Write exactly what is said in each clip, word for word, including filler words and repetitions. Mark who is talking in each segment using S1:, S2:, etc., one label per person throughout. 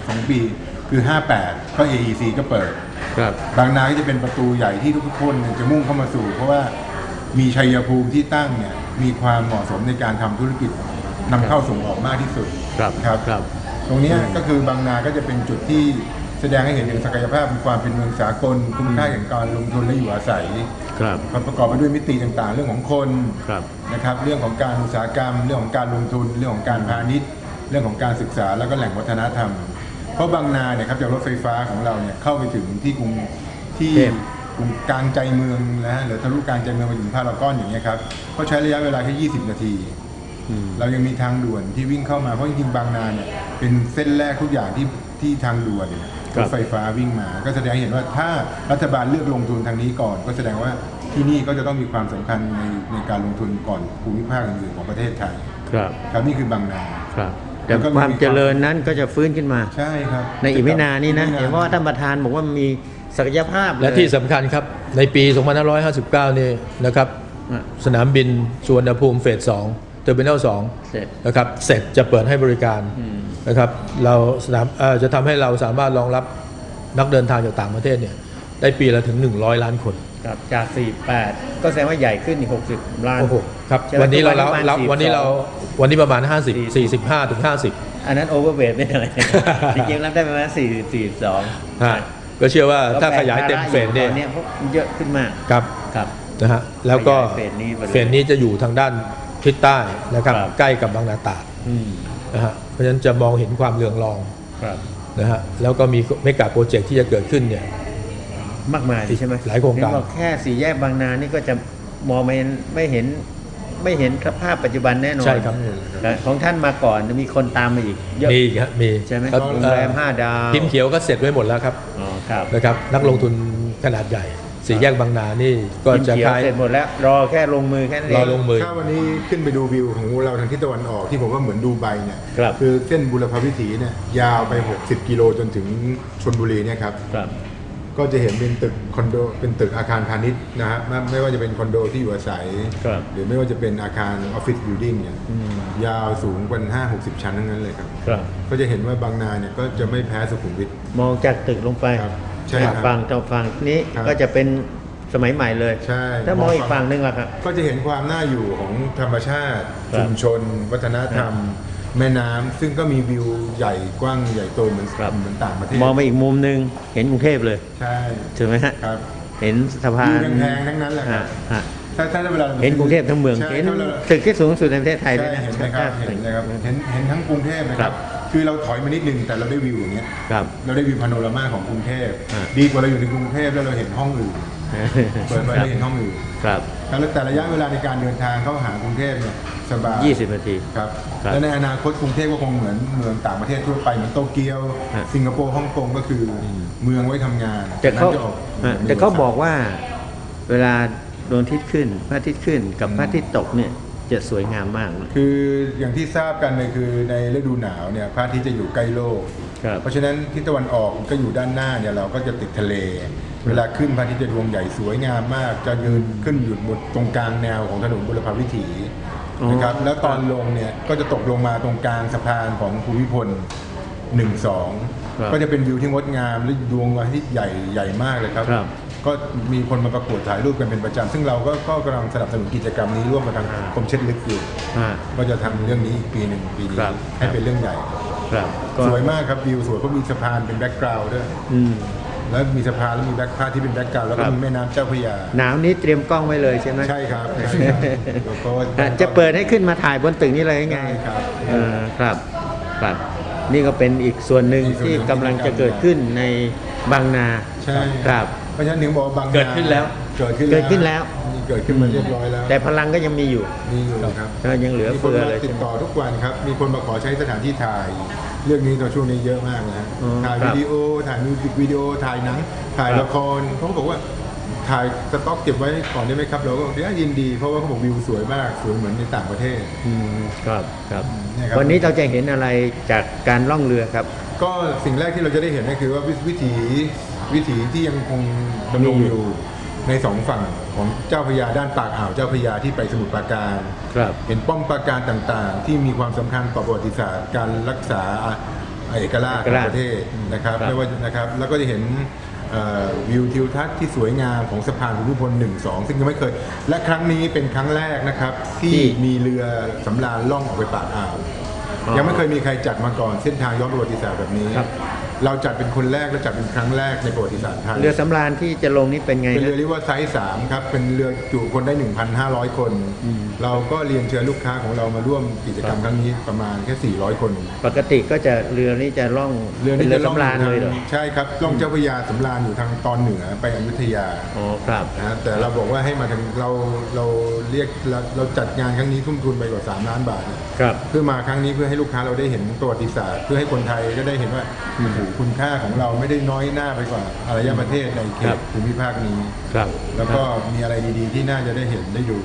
S1: สองปีคือห้าแปดก็ เอ อี ซี ก็เปิด
S2: ครับ
S1: บางนาก็จะเป็นประตูใหญ่ที่ทุกคนจะมุ่งเข้ามาสู่เพราะว่ามีชัยภูมิที่ตั้งเนี่ยมีความเหมาะสมในการทำธุรกิจนำเข้าส่งออกมากที่สุด
S2: ครับ
S1: ครับรบตรงนี้ก็คือบางนาก็จะเป็นจุดที่แสดงให้เห็นถึงศักยภาพความเป็นเมืองสากลคุณค่าแห่งการลงทุนและอยู่อาศัย
S2: ครับ
S1: ประกอบไปด้วยมิติต่างๆเรื่องของคน
S2: ครับ
S1: นะครับเรื่องของการอุตสาหกรรมเรื่องของการลงทุนเรื่องของการพาณิชย์เรื่องของการศึกษาแล้วก็แหล่งวัฒนธรรมเพราะบางนาเนี่ยครับจากรถไฟฟ้าของเราเนี่ยเข้าไปถึงที่กรุงที่กรุงกลางใจเมืองนะฮะหรือทะลุกลางใจเมืองไปถึงพารากอนอย่างเงี้ยครับก็ใช้ระยะเวลาแค่ยี่สิบนาทีเรายังมีทางด่วนที่วิ่งเข้ามาเพราะจริงๆบางนาเนี่ยเป็นเส้นแรกทุกอย่างที่ที่ทางด่วนรถไฟฟ้าวิ่งมาก็แสดงให้เห็นว่าถ้ารัฐบาลเลือกลงทุนทางนี้ก่อนก็แสดงว่าที่นี่ก็จะต้องมีความสำคัญในในการลงทุนก่อนภูมิภาคอื่นๆของประเทศไทย
S2: ครับ
S1: ครับนี่คือบางนา
S2: ครับแต่ความเจริญนั้นก็จะฟื้นขึ้นมา
S1: ใช่ครับ
S2: ในอีกไม่นานนี้นะเห็นว่าท่านประธานบอกว่ามีศักยภาพ
S3: และที่สำคัญครับในปีสองพันห้าร้อยห้าสิบเก้านี่นะครับสนามบินสุวรรณภูมิเฟสสองเทอร์มินอลสองนะครับเสร็จจะเปิดให้บริการนะครับเราสนามจะทำให้เราสามารถรองรับนักเดินทางจากต่างประเทศเนี่ยได้ปีละถึงหนึ่งร้อยล้านคน
S2: ครับจากสี่สิบแปดก็แสดงว่าใหญ่ขึ้นอีกหกสิบล้าน
S3: โอ้โหครับวันนี้เราเราวันนี้เราวันนี้ประมาณห้าสิบ สี่สิบห้าถึงห้าสิบ
S2: อันนั้นโอเวอร์เวทไม่อะไรจริงๆรับได้ประมาณสี่สิบ สี่สิบสอง
S3: ก็เชื่อว่าถ้าขยายเต็มเฟสเนี่ย
S2: เยอะขึ้นมาก
S3: ครับ
S2: ครับ
S3: นะฮะแล้วก็เฟสนี้จะอยู่ทางด้านทิศใต้นะครับใกล้กับบางนาตราดนะฮะเพราะฉะนั้นจะมองเห็นความเรืองรองนะฮะแล้วก็มีเมกะโปรเจกต์ที่จะเกิดขึ้นเนี่ย
S2: มากมายใช่ไหม
S3: หลายโครงการ
S2: แค่สี่แยกบางนานี่ก็จะมองไม่ไม่เห็นไม่เห็นสภาพปัจจุบันแน่นอน
S3: ใช่ครับ
S2: ของท่านมาก่อนมีคนตามมาอีกเยอะ
S3: มีครับมี
S2: ใช่ไหมโรงแรมห้าดาว
S3: พิมพ์เขียวก็เสร็จไว้หมดแล้วครับ
S2: อ๋อครับ
S3: นะครับนักลงทุนขนาดใหญ่สี่แยกบางนานี่ก็จะ
S2: ขายเสร็จหมดแล้วรอแค่ลงมือแค่นี้
S3: รอลงมือ
S1: ถ้าวันนี้ขึ้นไปดูวิวของเราทางทิศตะวันออกที่ผมว่าเหมือนดูไบเนี่ย
S2: คือ
S1: เส้นบุรพวิถีเนี่ยยาวไปหกสิบกิโลจนถึงชลบุรีเนี่ยครับก็จะเห็นเป็นตึกคอนโดเป็นตึกอาคารพาณิชย์นะฮะไม่ว่าจะเป็นคอนโดที่อยู่อาศัยหรือไม่ว่าจะเป็นอาคารออฟฟิศบิลดิ่งเนี่ยยาวสูงกว่าห้าหกสิบชั้นทั้งนั้นเลยครับก็จะเห็นว่าบางนาเนี่ยก็จะไม่แพ้สุขุมวิท
S2: มองจากตึกลงไป
S1: ใช่ครับ
S2: ฝั่งต่อฝั่งนี้ก็จะเป็นสมัยใหม่เลย
S1: ใช่
S2: ถ้ามองอีกฝั่งนึงล่ะครับ
S1: ก็จะเห็นความน่าอยู่ของธรรมชาติชุมชนวัฒนธรรมแม่น้ำซึ่งก็มีวิวใหญ่กว้างใหญ่โตเหมือนเหมือนต่างประเทศ
S2: มองไปอีกมุมนึงเห็นกรุงเทพเลย
S1: ใช่
S2: ใช่ไหมฮะ
S1: ครับ
S2: เห็นสะพาน
S1: แพงๆทั้งนั้นแหละครับถ้าถ้าเวลา
S2: เห็นกรุงเทพทั้งเมืองเห็นตึกที่สูงสุดในประเทศไทยเลยนะ
S1: เห็นไหมครับเห็นนะครับเห็นเห็นทั้งกรุงเทพนะครับคือเราถอยมานิดนึงแต่เราได้วิวอย่างเงี้ยเราได้วิวพาโนรามาของกรุงเทพดีกว่าเราอยู่ในกรุงเทพแล้วเราเห็นห้องอื่นเปิดไปได้เห็นห้องอื่น
S2: ครับ
S1: แล้วแต่ระยะเวลาในการเดินทางเข้าหากรุงเทพเนี่ยสบาย
S2: ยี่สิบนาที
S1: ครับและในอนาคตกรุงเทพก็คงเหมือนเมืองต่างประเทศทั่วไปเหมือนโตเกียวสิงคโปร์ฮ่องกงก็คือเมืองไว้ทำงาน
S2: แต่เขาแต่เขาบอกว่าเวลาดวงอาทิตย์ขึ้นพระอาทิตย์ขึ้นกับพระอาทิตย์ตกเนี่ยจะสวยงามมาก
S1: คืออย่างที่ทราบกันเลยคือในฤดูหนาวเนี่ยพระอาทิตย์จะอยู่ใกล้โลกเพราะฉะนั้นทิศตะวันออกก็อยู่ด้านหน้าเนี่ยเราก็จะติดทะเลเวลาขึ้นพระอาทิตย์จะดวงใหญ่สวยงามมากจะยืนขึ้นอยู่บนตรงกลางแนวของถนนบุรพวิถีนะครับแล้วตอนลงเนี่ยก็จะตกลงมาตรงกลางสะพานของภูมิพลหนึ่ง สองก็จะเป็นวิวที่งดงามและดวงอาทิตย์ใหญ่ใหญ่มากเลยครับก็มีคนมาประกวดถ่ายรูปกันเป็นประจำซึ่งเราก็ก็กำลังสนับสนุนกิจกรรมนี้ร่วมกับทางกรมเช็ดลึกอยู่ก็จะทำเรื่องนี้อีกปีหนึ่งปีนี้ให้เป็นเรื่องใหญ่สวยมากครับวิวสวยเพราะมีสะพานเป็นแบ็กกราวด์ด้วยแล้วมีสะพานแล้วมีแบ็คพาที่เป็นแบ็กกราวด์แล้วก็มีแม่น้ำเจ้าพระยา
S2: หนาวนี้เตรียมกล้องไว้เลยใช่ไหม
S1: ใช่ครับ
S2: จะเปิดให้ขึ้นมาถ่ายบนตึกนี้เลยไง
S1: ครับ
S2: ครับครับนี่ก็เป็นอีกส่วนหนึ่งที่กำลังจะเกิดขึ้นในบางนา
S1: ใช่
S2: ครับ
S1: เพราะฉะนั้นถึงบอกบางนา
S2: เกิดขึ้นแล้ว
S1: เกิดขึ้น
S2: เกิดขึ้นแล้ว
S1: เกิดขึ้นมาเรียบร้อยแล้ว
S2: แต่พลังก็ยังมีอยู่
S1: มีอยู่ครับ
S2: ยังเหลือเฟือเลย
S1: ติดต่อทุกวันครับมีคนมาขอใช้สถานที่ถ่ายเรื่องนี้ตอนช่วงนี้เยอะมากนะถ่ายวิดีโอถ่ายมิวสิกวิดีโอถ่ายหนังถ่ายละครเขาบอกว่าถ่ายสต็อกเก็บไว้ก่อนได้ไหมครับเราก็ยินดีเพราะว่าเขาบอกวิวสวยมากสวยเหมือนในต่างประเทศ
S2: ครับครับวันนี้เราจะเห็นอะไรจากการล่องเรือครับ
S1: ก็สิ่งแรกที่เราจะได้เห็นก็คือว่าวิถีวิถีที่ยังคงดำรงอยู่ในสองฝั่งของเจ้าพระยาด้านปากอ่าวเจ้าพระยาที่ไปสมุทรปราการเห็นป้อมปราการต่างๆที่มีความสำคัญต่อประวัติศาสตร์การรักษาเอกราชของประเทศนะครับไม่ว่านะครับแล้วก็จะเห็นวิวทิวทัศน์ที่สวยงามของสะพานภูมิพลหนึ่ง สองซึ่งยังไม่เคยและครั้งนี้เป็นครั้งแรกนะครับที่มีเรือสำราญล่องออกไปปากอ่าวยังไม่เคยมีใครจัดมาก่อนเส้นทางย้อนประวัติศาสตร์แบบนี้เราจัดเป็นคนแรกและจัดเป็นครั้งแรกในประวัติศาสตร์ไทย
S2: เรือสำราญที่จะลงนี่เป็นไง
S1: เป็นเรือเรียกว่าไซส์สามครับเป็นเรือจุคนได้ หนึ่งพันห้าร้อย คนเราก็เรียนเชิญลูกค้าของเรามาร่วมกิจกรรมครั้งนี้ประมาณแค่สี่ร้อยคน
S2: ปกติก็จะเรือนี่จะล่อง
S1: เรือ
S2: นี่จะสำราญเลยเหรอ
S1: ใช่ครับล่องเจ้าพระยาสำราญอยู่ทางตอนเหนือไปอยุธยา
S2: อ๋อครับ
S1: นะแต่เราบอกว่าให้มาทางเราเราเรียกเราจัดงานครั้งนี้ทุ่มทุนไปกว่าสามล้านบาท
S2: ครับ
S1: เพื่อมาครั้งนี้เพื่อให้ลูกค้าเราได้เห็นประวัติศาสตร์เพื่อให้คนไทยก็ได้เห็นว่าคุณค่าของเราไม่ได้น้อยหน้าไปกว่าอารยประเทศในเขตภูมิภาคนี้
S2: ครับ
S1: แล้วก็มีอะไรดีๆที่น่าจะได้เห็นได้ดู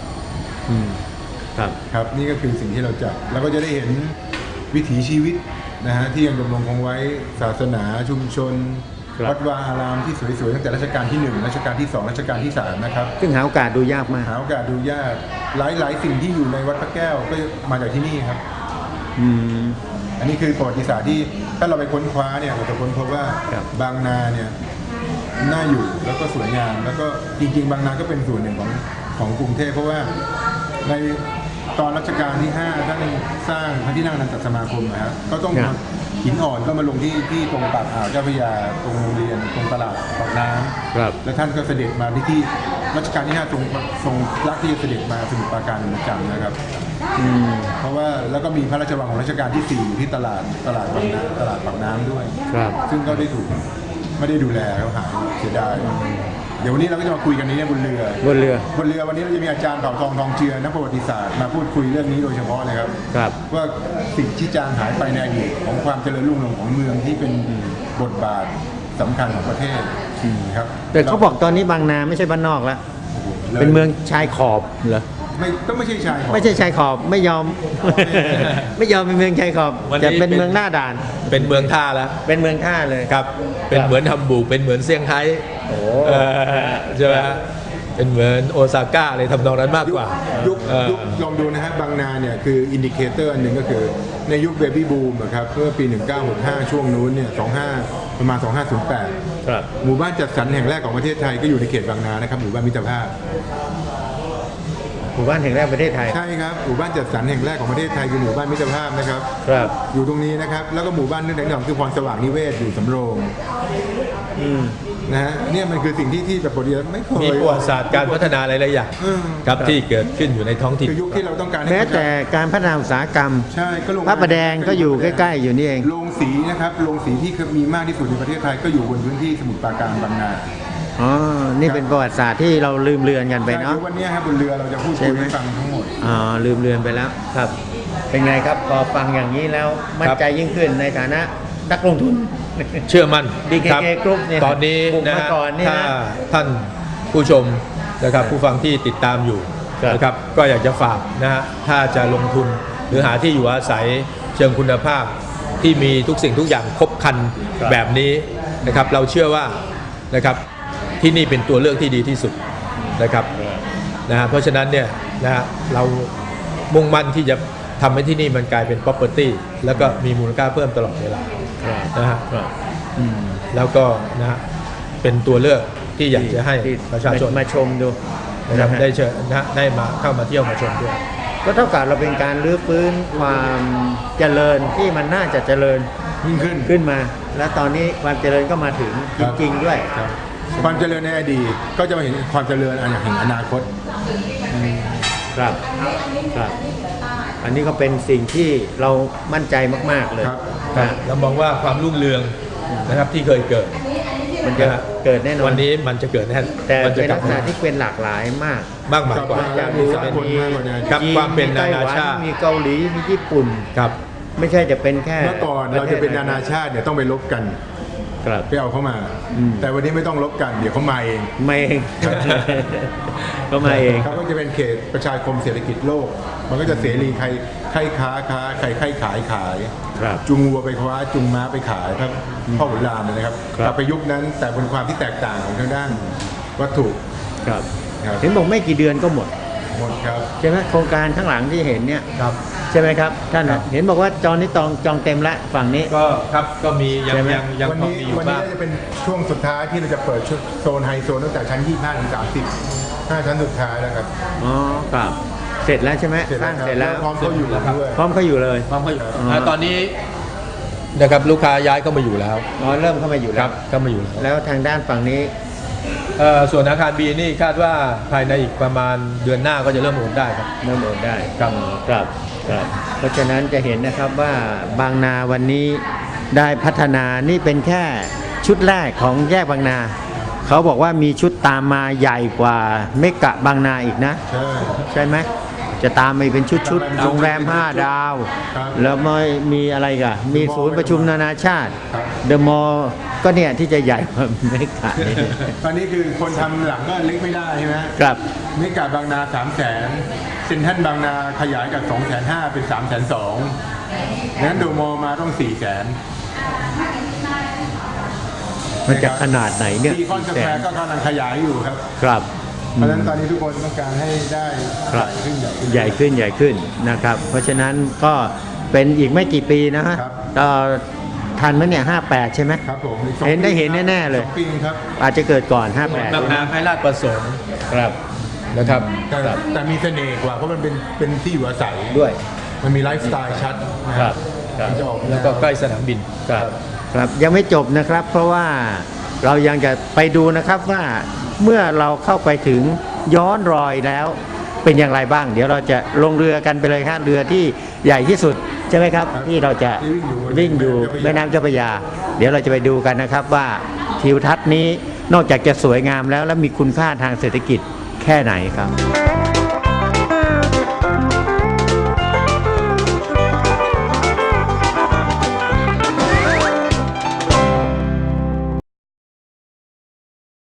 S2: ครับ
S1: ครับนี่ก็คือสิ่งที่เราจัดแล้วก็จะได้เห็นวิถีชีวิตนะฮะที่ยังดำรงคงไว้ศาสนาชุมชนวัดวาอารามที่สวยๆตั้งแต่รัชกาลที่หนึ่งรัชกาลที่สองรัชกาลที่สามนะครับ
S2: ซึ่งหาโอกาสดูยากมาก
S1: หาโอกาสดูยากหลายๆสิ่งที่อยู่ในวัดพระแก้วก็มาจากที่นี่ครับ
S2: อืม
S1: อันนี้คือประวัติศาสตร์ที่ถ้าเราไปค้นคว้าเนี่ยเราจะค้นพบว่าบางนาเนี่ยน่าอยู่แล้วก็สวยงามแล้วก็จริงๆบางนาก็เป็นส่วนหนึ่งของของกรุงเทพเพราะว่าในตอนรัชกาลที่ห้าท่านสร้างพระที่นั่งอนันตสมาคมนะครับก็ต้องหินอ่อนก็มาลงที่ที่ตรงปากอ่าวเจ้าพระยาตรงโรงเรียนตรงตลาดปากน้ำแล้วท่านก็เสด็จมาที่ที่รัชกาลที่ห้าทรงทรงรักที่จะเสด็จมาสมุทรปราการเป็นประจำนะครับเพราะว่าแล้วก็มีพระราชวังของรัชกาลที่สี่อยู่ที่ตลาดตลาดปากน้ำตลาดปากน้ำด้วยซึ่งก็ได้ถูกไม่ได้ดูแลเขาหายเสียดายเดี๋ยววันนี้เราก็จะมาคุยกันนี้บนเรือบ
S2: นเรือบ
S1: นเรือวันนี้เราจะมีอาจารย์เผ่าทองทองเจือนักประวัติศาสตร์มาพูดคุยเรื่องนี้โดยเฉพาะเลยครับ
S2: ครับ
S1: ว่าสิ่งที่จางหายไปในอดีตของความเจริญรุ่งเรืองของเมืองที่เป็นบทบาทสำคัญของประเทศครับ
S2: แต่เขาบอกตอนนี้บางนาไม่ใช่บ้านนอกแล้วเป็นเมืองชายขอบเหรอ
S1: ไม่ก็ไม่ใช่ชายขอบ
S2: ไม่ใช่ชายขอบไม่ยอมไม่ยอมเป็นเมืองชายขอบจะเป็นเมืองหน้าด่าน
S3: เป็นเมืองท่าแล้ว
S2: เป็นเมืองท่าเลย
S3: ครับเป็นเหมือนฮัมบูร์กเป็นเหมือนเซี่ยงไฮ้
S2: โอ้
S3: ใช่ไหมเป็นเหมือนโอซาก้าเลยทำนองนั้นมากกว่า
S1: ยุคยุคลองดูนะฮะบางนาเนี่ยคืออินดิเคเตอร์อันหนึ่งก็คือในยุคเบบี้บูมนะครับเมื่อปีหนึ่งเก้าหกห้าช่วงนู้นเนี่ยสองห้าประมาณสองห้าศูนย์แปด
S2: ครับ
S1: หมู่บ้านจัดสรรแห่งแรกของประเทศไทยก็อยู่ในเขตบางนานะครับหมู่บ้านมิตรภาพ
S2: หมู่บ้านแห่งแรกประเทศไทย
S1: ใช่ครับหมู่บ้านจัดสรรแห่งแรกของประเทศไทยคือหมู่บ้านมิตรภาพนะครับ
S2: ครับ
S1: อยู่ตรงนี้นะครับแล้วก็หมู่บ้านเรื่องแห่งคือพรสว่างนิเวศอยู่สำโรงนะฮะเนี่ยมันคือสิ่งที่ที่แบบปกติไม่เคย
S3: มีประวัติศาสตร์การพัฒนาหลายๆอย่างครับที่เกิดขึ้นอยู่ในท้องถิ่น
S1: คือยุคที่เราต้องการ
S2: แม้แต่การพัฒนาอุตสาหกรรม
S1: ใช่ก็
S2: พระประแดงก็อยู่ใกล้ๆอยู่นี่เอง
S1: โรงสีนะครับโรงสีที่มีมากที่สุดในประเทศไทยก็อยู่บนพื้นที่สมุทรปราการบางนา
S2: อ๋อนี่เป็นประวัติศาสตร์ที่เราลืมเลือนกันไปเนาะ
S1: วันนี้ครับบนเรือเราจะพูดคุยให้ฟังทั้งหมด
S2: อ๋อลืมเลือนไปแล้วครับเป็นไงครับพอฟังอย่างนี้แล้วมั่นใจยิ่งขึ้นในฐานะนักลงทุน
S3: เชื่อมั่น
S2: บี เค เค Group เนี่ย
S3: ตอนนี้นะถ้าท่านผู้ชมนะครับผู้ฟังที่ติดตามอยู่นะครับก็อยากจะฝากนะฮะถ้าจะลงทุนหรือหาที่อยู่อาศัยเชิงคุณภาพที่มีทุกสิ่งทุกอย่างครบครันแบบนี้นะครับเราเชื่อว่านะครับที่นี่เป็นตัวเลือกที่ดีที่สุดนะครับนะฮะเพราะฉะนั้นเนี่ยนะฮะเรามุ่งมั่นที่จะทำให้ที่นี่มันกลายเป็น property แล้วก็มีมูลค่าเพิ่มตลอดเวลานะฮะแล้วก็นะฮะเป็นตัวเลือกที่อยากจะให้ประชาชน
S2: มาชมดู
S3: นะครับได้เชิญนะได้มาเข้ามาเที่ยวมาชมด้วย
S2: ก็เท่ากับเราเป็นการรื้อฟื้นความเจริญที่มันน่าจะเจริญ
S1: ขึ้น
S2: ขึ้นมาและตอนนี้ความเจริญก็มาถึงจริงๆด้วย
S1: ความเจริญในอดีตก็จะมาเห็นความเจริญอันแห่งอนาคต
S2: ครับครับอันนี้ก็เป็นสิ่งที่เรามั่นใจมากๆเลย
S3: เรามองว่าความรุ่งเรืองนะครับที่เคยเกิด
S2: มันจะเกิดแน่นอน
S3: วันนี้มันจะเกิดแน่
S2: แต่เป็นลักษณะที่เป็นหลากหลายมาก
S3: มากมายกว่า
S2: มี
S3: ครับความเป็นนานาชาติ
S2: มีเกาหลีมีญี่ปุ่น
S3: ครับ
S2: ไม่ใช่จะเป็นแค่
S1: เมื่อก่อนเราจะเป็นนานาชาติเนี่ยต้องไปลบกันไปเอาเข้ามาแต่วันนี้ไม่ต้องลบกันเดี๋ยวเขามาเอง
S2: มาเองเขามาเอง
S1: เขาก็จะเป็นเขตประชาคมเศรษฐกิจโลกมันก็จะเสรีใครใครค้าค้าใครใครขายขายจุงวัวไปคว้าจุงม้าไปขายครับพ่อขุนรามเลยนะครับกลับไปยุคนั้นแต่เป็นความที่แตกต่างของทางด้านวัตถุ
S2: ครับเห็นบอกไม่กี่เดือนก็หมด
S1: หมดครับ
S2: ใช่ไหมโครงการข้างหลังที่เห็นเนี่ย
S3: ครับ
S2: ใช่ไหมครับท่าน
S3: ครับ
S2: เห็นบอกว่าจองนี้จองจองเต็มแล้วฝั่งนี้
S3: ก็ครับก็มียัง
S2: ใช่ไหม
S3: ยังยัง
S1: วัน
S3: พอ
S1: นี้
S3: มีอยู่
S1: วันนี้
S3: บ้าง
S1: น่าจะเป็นช่วงสุดท้ายที่เราจะเปิดชุดโซนไฮโซนตั้งแต่ชั้นยี่สิบห้าถึงสามสิบห้าชั้นสุดท้ายแล้วครับ
S2: อ๋อครับเสร็จแล้วใช่ไหม
S1: เสร็จ
S2: ส
S1: แล้
S2: ร้าว ง
S1: ครับ
S2: เสร็จแล้ว
S1: พร้อมเข้าอยู่ด้วย
S2: พร้อมเขาอยู่เลย
S3: พร้อมเขาอยู่
S2: อ๋อ
S3: อ่าตอนนี้นะครับลูกค้าย้ายเข้ามาอยู่แล้ว
S2: อ๋อเริ่มเข้ามาอยู่
S3: ค
S2: แล้
S3: รั
S2: ว
S3: บเข้ามาอยู่แล้ว
S2: แล้วทางด้านฝั่งนี้
S3: เอ่อส่วนอาคาร B นี่คาดว่าภายในอีกประมาณเดือนหน้าก็จะเริ่มโอนได้ครับ
S2: เริ่มโอนได้
S3: ครับ
S2: ครับครับเพราะฉะนั้นจะเห็นนะครับว่าบางนาวันนี้ได้พัฒนานี่เป็นแค่ชุดแรกของแยกบางนา เขาบอกว่ามีชุดตามมาใหญ่กว่าเมกะบางนาอีกนะ
S1: ใช่
S2: ใช่ไหมจะตามไปเป็นชุดชุด
S1: ตามไปเป็นชุด
S2: โรงแรมห้าดาว
S1: ครับ
S2: แล้วไม่มีอะไรกันมีศูนย์ประชุมนานาชาติ
S1: ครับ
S2: เดอะมอลล์ก็เนี่ยที่จะใหญ่กว่าเมกะนี่
S1: ตอนนี้คือคนทำหลังก็เล็กไม่ได้ใช่ไหม
S2: ครับ
S1: เมกาบางนาสามแสนเซ็นทรัลบางนาขยายจากสองแสนห้าเป็นสามแสนสองงั้นโดมอมาต้องสี่แสน
S2: มันจะขนาดไหนเนี่ย
S1: ซีคอนสแควร์ก็กำลังขยายอยู่ครับ
S2: ครับ
S1: เพราะฉะนั้นตอนนี้ทุกคนต้องการให้ได้
S2: ค
S1: ให
S2: รับ
S1: ญ่ขึ้นใหญ่ขึ้น
S2: ใหญ่ขึ้นใหญ่ขึ้นนะครับ เพราะฉะนั้นก็เป็นอีกไม่กี่ปีนะฮะ
S1: ครับ
S2: ก็ทันไหมเนี่ยห้าแปดใช่ไหม
S1: ครับผมอีกสอง
S2: เห็นได้
S1: ปี
S2: เห็นแน่ๆเลย
S1: สองปีครับ
S2: อาจจะเกิดก่อนห้าแปด
S3: บางนาให้ราชประสงค์
S2: ครับ
S3: นะครับ
S1: แต่แต่มีเสน่ห์กว่าเพราะมันเป็นเป็นที่อยู่อาศัย
S2: ด้วย
S1: มันมีไลฟ์สไตล์ชัดนะครับ
S2: ครับ
S1: มันจะออก
S3: แล้วก็ใกล้สนามบิน
S2: ครับครับยังไม่จบนะครับ เพราะว่าเรายังจะไปดูนะครับว่าเมื่อเราเข้าไปถึงย้อนรอยแล้วเป็นอย่างไรบ้าง เดี๋ยวเราจะลงเรือกันไปเลยครับเรือที่ใหญ่ที่สุดใช่ไหมครับ ที่เราจะวิ่งอยู่แม่น้ำเจ้าพระยา เดี๋ยวเราจะไปดูกันนะครับว่าทิวทัศน์นี้นอกจากจะสวยงามแล้วและมีคุณค่าทางเศรษฐกิจแค่ไหนครับ